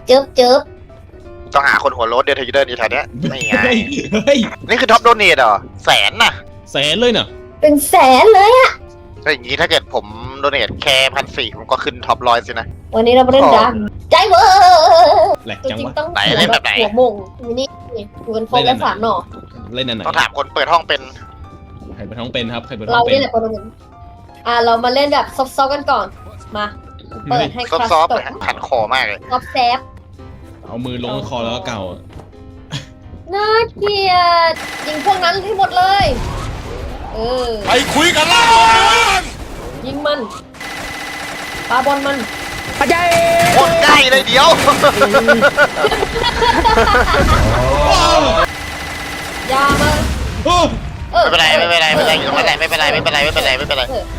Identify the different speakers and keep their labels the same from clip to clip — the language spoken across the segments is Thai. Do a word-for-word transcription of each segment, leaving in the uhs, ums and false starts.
Speaker 1: เจิบเจิบ
Speaker 2: ต้องหาคนหัวโล้นเดินเทเดินอยู่แถวเนี้ยไม่ไง
Speaker 3: เฮ้ย
Speaker 2: นี่คือท็อปโดเนทเหรอแสนน่ะ
Speaker 3: แสนเลยเนาะ
Speaker 1: เป็นแสนเลยอะ
Speaker 2: ถ้าอย่างนี้ถ้าเกิดผมโดเนทแค่พันสี่ผมก็ขึ้นท็อปร้อยสินะ
Speaker 1: วันนี้เราไปเล่นดังใจเวอร์
Speaker 3: แหลก
Speaker 1: ตัว
Speaker 3: จัง
Speaker 1: จริง
Speaker 3: วะ
Speaker 1: ต้อง
Speaker 2: ไหนเล่นแบบไหน
Speaker 1: หัวมงมินี่อยู่กันครบแล้วสามหน่อ
Speaker 3: เล่นอันไหน
Speaker 2: ต้องถามคนเปิดห้องเป็น
Speaker 3: ใครเป็นท้องเป็นครับใครเป็นท้
Speaker 1: เรา
Speaker 3: องเป็
Speaker 1: เล่น
Speaker 3: น
Speaker 1: แหละประมาณนั้นอ่ะเรามาเล่นแบบซอฟๆกันก่อนมาเปิดให้คลาส
Speaker 2: ซอฟต์
Speaker 1: ต
Speaker 2: ๆนะขันคอมากเลย
Speaker 1: ซอฟแซฟ
Speaker 3: เอามือลงคอแล้วก็เก่า
Speaker 1: น่าเกลียดยิงพวกนั้นให้หมดเลย เออ
Speaker 2: ไปคุยกันล่ะ
Speaker 1: ยิงมันปาบอลมัน
Speaker 2: โคตรใกล้เลยเดี๋ยว
Speaker 1: ยามา
Speaker 3: โอ้
Speaker 1: เออ
Speaker 2: ไม่เป็นไรไม่เป็นไรไม่เป็นไรอยู่ตรงนั้นแหละไม่เป็นไรไม่เป็นไรไม่เป็นไรไม่เป็นไร
Speaker 1: เออ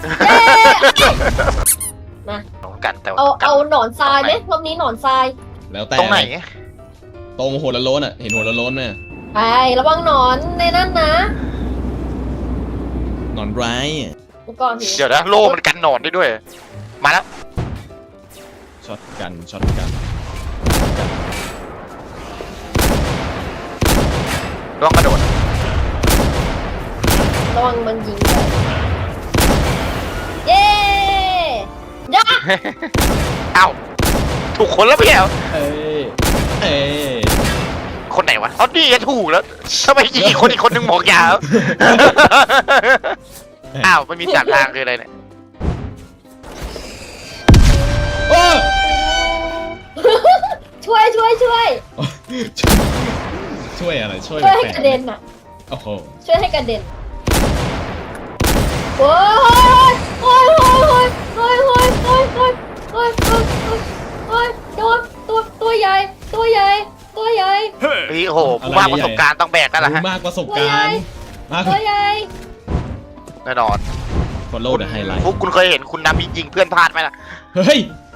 Speaker 1: มา
Speaker 2: กันแต่
Speaker 1: เอา
Speaker 2: กัน
Speaker 1: เอาหนอนทรายไหมรอบนี้หนอนทราย
Speaker 3: แล้วแต่
Speaker 2: ตรงไหน
Speaker 3: ตรงหัวละโล้นอ่ะเห็นหัวละโล้นไหม
Speaker 1: ไประวังหนอนในนั้นนะ
Speaker 3: หนอนร้ายอะ
Speaker 1: ดูก่อนที
Speaker 2: เดี๋ยวนะโล่มันกันหนอนได้ด้วย มาแล้ว
Speaker 3: ช็อตกันช็อตกัน
Speaker 2: ลองกระโดด
Speaker 1: ระวังมันยิงเลยเย้ยา
Speaker 2: เอ้าถูกคนแล้วพี่แอล
Speaker 3: เอ้ยเอ้ย
Speaker 2: คนไหนวะเอาดีก็ถูกแล้วทำไมยิงอีกคนอีกคนนึงหมอกยาว อ้าวมันมีสามทางคืออะไรเนี่ย
Speaker 3: โอ้
Speaker 1: ช่วยช่วยช่วย
Speaker 3: ช่วยอะไรช่วย
Speaker 1: ช่วยให้
Speaker 3: แปล
Speaker 1: กระเด็นอ่ะ
Speaker 3: โอ้โห
Speaker 1: ช่วยให้กระเด็นโอ้ยโอ้ยโอ้ยโอ้ยโอ้ยโอ้ยโอ้ยโอ้ยโอ้ยโอ้ยโอ้ยตัวตัวตัวใหญ่ตัวใหญ่ตัวใหญ่
Speaker 2: เฮ้ยโอ้โหผู้มากประสบการณ์ต้องแบกกันละฮะ
Speaker 3: มากประสบการณ์มาก
Speaker 1: ตัวใหญ่
Speaker 2: แน่นอน
Speaker 3: ฟอลโล่เดอะไฮไลท์
Speaker 2: พวกคุณเคยเห็นคุณนามิยิงเพื่อนพลาดไหมล่ะ
Speaker 3: เฮ้ย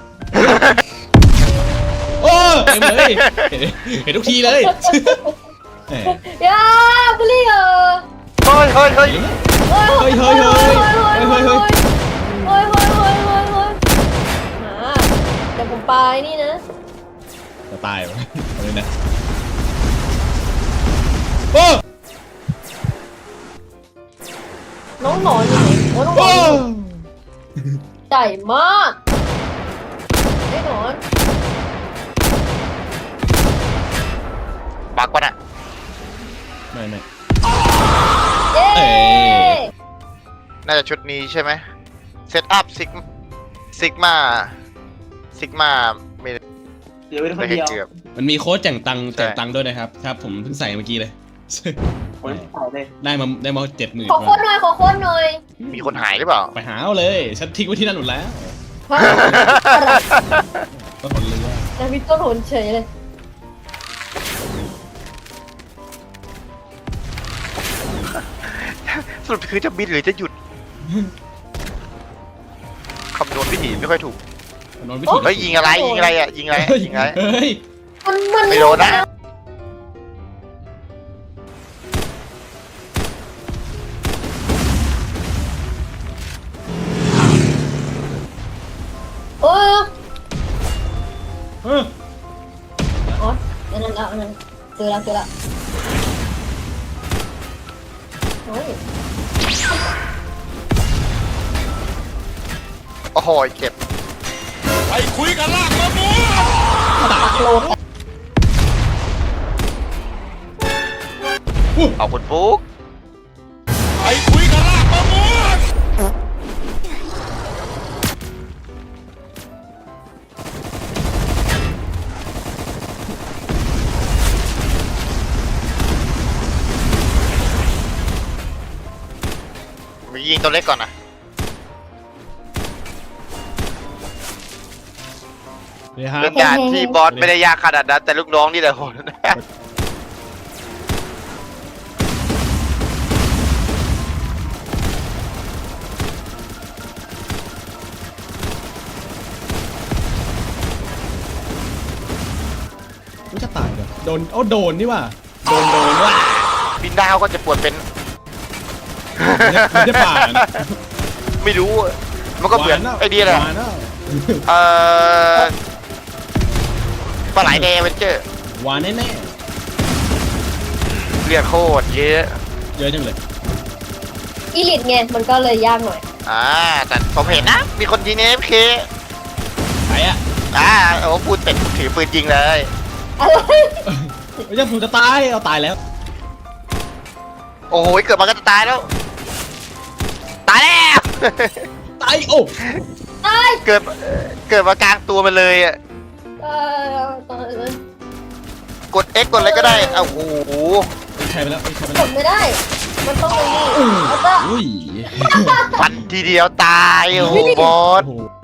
Speaker 3: โอ้เห็นเลยเห็นทุกทีเลยแหม
Speaker 1: ยาบุลี่เออ
Speaker 2: เฮ้ยเฮ้ยเฮ้ย
Speaker 1: โอ้ย
Speaker 3: เฮ้ยเฮ้ยเฮ้ยเฮ้ยเฮ้ยเฮ้ย
Speaker 1: โอ้ยโอ้ยโอ้ยโอ้ยโอ้ยมาเดี๋ยวผมไปนี่นะ
Speaker 3: จะตายวะเอาเลยนะโอ้
Speaker 1: น้องหนอนอยู่ไหนโอ้น้องหน
Speaker 3: โอ้
Speaker 1: อนใหญ่มากไอ้หนอน
Speaker 2: บักวะน่ะ
Speaker 3: ไม่ไม่
Speaker 1: เย้
Speaker 3: เอ้ย
Speaker 2: น่าจะชุดนี้ใช่ไหมเซตอัพซิกซิกมาซิกมาไม่
Speaker 4: เดี๋ยวเป็นค
Speaker 2: ไม่
Speaker 4: น
Speaker 2: เห็น
Speaker 4: เดียว
Speaker 2: เกือบ
Speaker 3: มันมีโค้ดแจกตังค์
Speaker 2: ใช่
Speaker 3: แจกตังค์ด้วยนะครับครับผมเพิ่งใส่เมื่อกี้เลย
Speaker 4: ผมใส่เลย
Speaker 3: ได้มาได้มาเจ็ดหมื่น
Speaker 1: ขอคนหน่อยขอคนหน่อย
Speaker 2: มีคนหายหรือเปล่า
Speaker 3: ไปหาเอาเลยฉันทิ้งไว้ที่นั่นหมดแล้ว
Speaker 1: ฮะ
Speaker 3: ก็ผลเรือ
Speaker 1: แต่พี่ต้นหนเฉยเลย
Speaker 2: สรุปคือจะบินหรือจะหยุดคำนวณวิธีไม่ค่อยถูก
Speaker 3: นอนวิธี
Speaker 2: เฮ้ยยิงอะไรยิงอะไรอ่ะยิงอะไรยิงอะไร
Speaker 3: เฮ้ย
Speaker 1: มันมัน
Speaker 2: ไม่โดนนะ
Speaker 1: โอ้ย
Speaker 3: เออ
Speaker 1: อ๋ออันนั้นแล้วอันนั้นเจอแล้วเจอแล้วโอ้ย
Speaker 2: โอ้โหเจ็บ
Speaker 5: ไปคุยกันลากมะม่วง
Speaker 1: ปักโลด
Speaker 2: เอาคุณฟุ๊ก
Speaker 5: ไปคุยกันลากมะม่วง
Speaker 2: มียิงตัวเล็กก่อนนะ
Speaker 3: นี่ครับ
Speaker 2: เรื่องการที่บอสไม่ได้ยากขนาดนั้นแต่ลูกน้องนี่แหละโหดนะ
Speaker 3: มันจะตายเหรอโดนโอ้โดนนี่ว่ะโดนโดนว่ะ
Speaker 2: บินดาวก็จะปวดเป็น
Speaker 3: มันจะป่าด
Speaker 2: ไม่รู้ มันก็เหมือนไอ้นี่แหละ
Speaker 3: หวานแล้ว
Speaker 2: เอ่อปลาไหลแดงเวนเจอร์
Speaker 3: หวานแน่
Speaker 2: เลือดโคตรเยอะ
Speaker 3: ๆเยอะจังเลย
Speaker 1: อีลิทไงมันก็เลยยากหน่อย
Speaker 2: อ่าแต่ผมเห็นนะ มีคนยิงเอฟเค
Speaker 3: ไปอ่ะ
Speaker 2: อ่าโอ้พูดเป็ดถือปืนยิงเลย
Speaker 1: อะไร
Speaker 3: ไม่ใช่ผมจะตายเอาตายแล้ว
Speaker 2: โอ้โหเกิดมาก็จะตายแล้ว ตายแล้ว
Speaker 3: ตายโอ้
Speaker 1: ตาย
Speaker 2: เกิดเกิดมากลางตัวมันเลยอ่ะ
Speaker 1: เออตายเลย
Speaker 2: กด X กดอะไรก็ได้เอาโอ้โห
Speaker 3: ใช่ไปแล้วใช่ไป
Speaker 1: ก
Speaker 3: แล้ว
Speaker 1: ดไม่ได้ มันต้องไปนี่แล้วก็
Speaker 3: อุ้ย
Speaker 2: ฟันทีเดียวตายโอ้โหบอส
Speaker 3: โอ้โห